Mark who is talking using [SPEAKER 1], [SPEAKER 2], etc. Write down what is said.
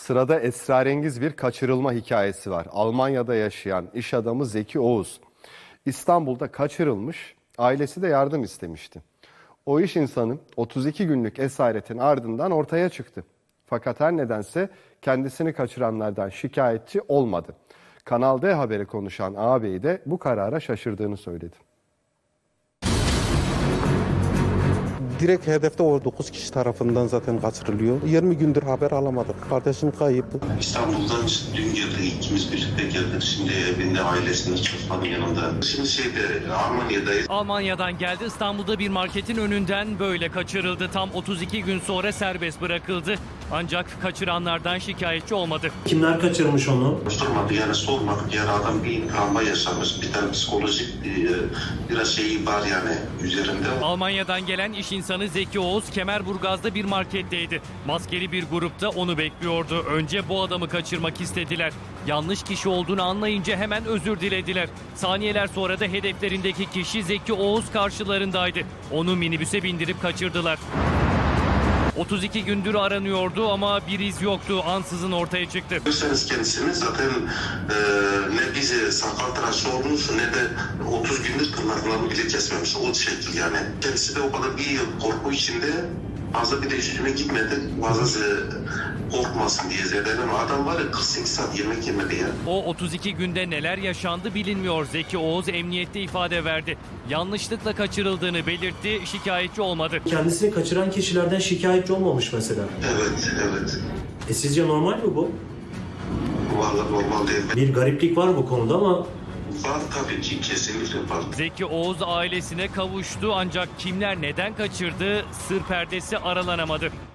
[SPEAKER 1] Sırada esrarengiz bir kaçırılma hikayesi var. Almanya'da yaşayan iş adamı Zeki Oğuz İstanbul'da kaçırılmış, ailesi de yardım istemişti. O iş insanı 32 günlük esaretin ardından ortaya çıktı. Fakat her nedense kendisini kaçıranlardan şikayetçi olmadı. Kanal D Haber'e konuşan ağabeyi de bu karara şaşırdığını söyledi.
[SPEAKER 2] Direkt hedefte o 9 kişi tarafından zaten kaçırılıyor. 20 gündür haber alamadık. Kardeşim kayıp.
[SPEAKER 3] İstanbul'dan dün geldik, ikimiz birlikte geldik. Şimdi evinde ailesinin çocukların yanında. Şimdi Almanya'dayız.
[SPEAKER 4] Almanya'dan geldi, İstanbul'da bir marketin önünden böyle kaçırıldı. Tam 32 gün sonra serbest bırakıldı. Ancak kaçıranlardan şikayetçi olmadı.
[SPEAKER 5] Kimler kaçırmış onu?
[SPEAKER 3] Sormadı yani sormadık. Yani adam bir travma yaşamış. Bir tane psikolojik biraz şeyi var yani üzerinde.
[SPEAKER 4] Almanya'dan gelen iş insanı Zeki Oğuz Kemerburgaz'da bir marketteydi. Maskeli bir grupta onu bekliyordu. Önce bu adamı kaçırmak istediler. Yanlış kişi olduğunu anlayınca hemen özür dilediler. Saniyeler sonra da hedeflerindeki kişi Zeki Oğuz karşılarındaydı. Onu minibüse bindirip kaçırdılar. 32 gündür aranıyordu ama bir iz yoktu. Ansızın ortaya çıktı.
[SPEAKER 3] Görürseniz kendisini zaten ne bize sakal tıraşı olmuş ne de 30 gündür tırnaklarını bile kesmemiş. O şekil yani. Kendisi de o kadar bir korku içinde fazla bir de üstüne gitmedi. Bazısı korkmasın diye zeden ama adam var ya 48 saat yemek yemedi ya.
[SPEAKER 4] O 32 günde neler yaşandı bilinmiyor. Zeki Oğuz emniyette ifade verdi. Yanlışlıkla kaçırıldığını belirtti, şikayetçi olmadı.
[SPEAKER 5] Kendisini kaçıran kişilerden şikayetçi olmamış mesela.
[SPEAKER 3] Evet.
[SPEAKER 5] Sizce normal mi bu?
[SPEAKER 3] Vallahi normal değil.
[SPEAKER 5] Bir gariplik var bu konuda ama
[SPEAKER 3] Var tabii ki kesinlikle var.
[SPEAKER 4] Zeki Oğuz ailesine kavuştu ancak kimler neden kaçırdı sır perdesi aralanamadı.